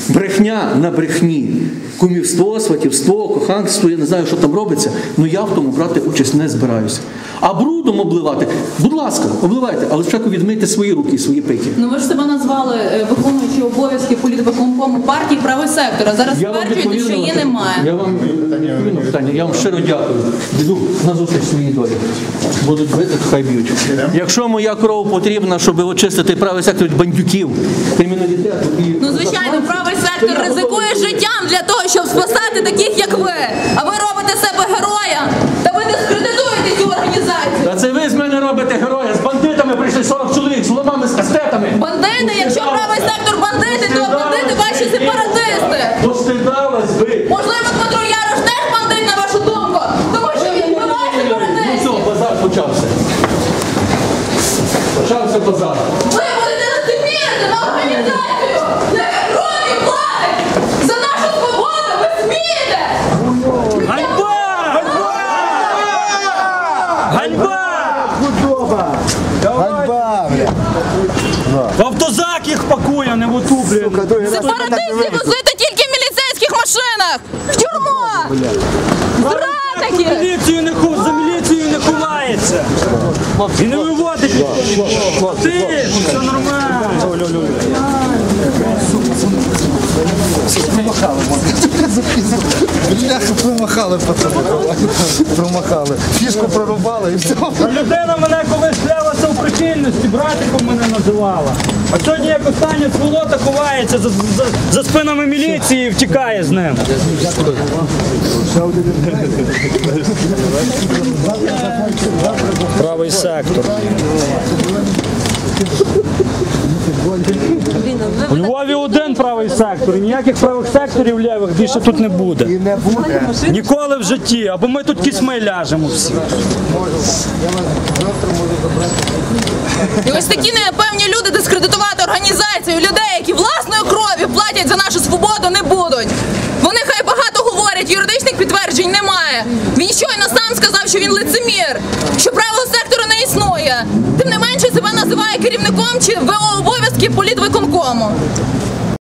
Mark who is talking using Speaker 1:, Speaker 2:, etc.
Speaker 1: Брехня на брехні. Кумівство, сватівство, коханство, я не знаю, що там робиться, але я в тому брати участь не збираюся. А брудом обливати, будь ласка, обливайте, але спочатку відмийте свої руки і свої пики.
Speaker 2: Ну ви ж себе назвали виконуючи обов'язки політвиконкому партії «Правий сектор», а зараз стверджуєте, що її немає.
Speaker 1: Я вам щиро дякую. Йду на зустріч своїй долі. Будуть бити, хай б'ють. Якщо моя кров потрібна, щоб очистити правий сектор від бандюків, криміналітету і...
Speaker 2: Ну, звичайно, правий сектор ризикує життям для того, щоб спасати таких, як ви. А ви робите себе героя, та ви дискредитуєте цю організацію.
Speaker 1: Та це ви з мене робите героя. З бандитами прийшли 40 чоловік, з ломами, з кастетами.
Speaker 2: Бандити? Якщо правий сектор бандити, то бандити ваші сепаратисти.
Speaker 1: Постидалась ви.
Speaker 2: Можливо, Дмитро Ярош теж бандит, на вашу думку, тому що він вбиває сепаратистів.
Speaker 1: Ну все, базар почався. Почався базар.
Speaker 2: Ви будете лицемірити на організацію, яка крові платить за нашу свободу, ви смієте!
Speaker 3: Ганьба! Ганьба!
Speaker 4: Ганьба, бля.
Speaker 3: В автозак їх пакує, не в оту, блін.
Speaker 2: Сепаратистів возити тільки в міліцейських машинах! В тюрму! Зрадники!
Speaker 3: За міліцією не ховається. І не виводить. Ти, все нормально.
Speaker 4: Бляха, промахали, пацани. Промахали. Фішку прорубали і все.
Speaker 3: А людина мене колись клялася у прихильності, братиком мене називала. А сьогодні як остання сволота ховається за спинами міліції і втікає з ним. Правий сектор. У Львові один правий сектор, і ніяких правих секторів лівих більше тут не буде.
Speaker 4: І не буде.
Speaker 3: Ніколи в житті, або ми тут кісьми ляжемо всі.
Speaker 2: І ось такі непевні люди дискредитувати організацію, людей, які власною кров'ю платять за нашу свободу, не будуть. Вони хай багато говорять, юридичних підтверджень немає. Він щойно сам сказав, що він лицемір, що правого сектору не існує. Тим не менше себе називає керівником чи ВО обов'язки політвиконкому.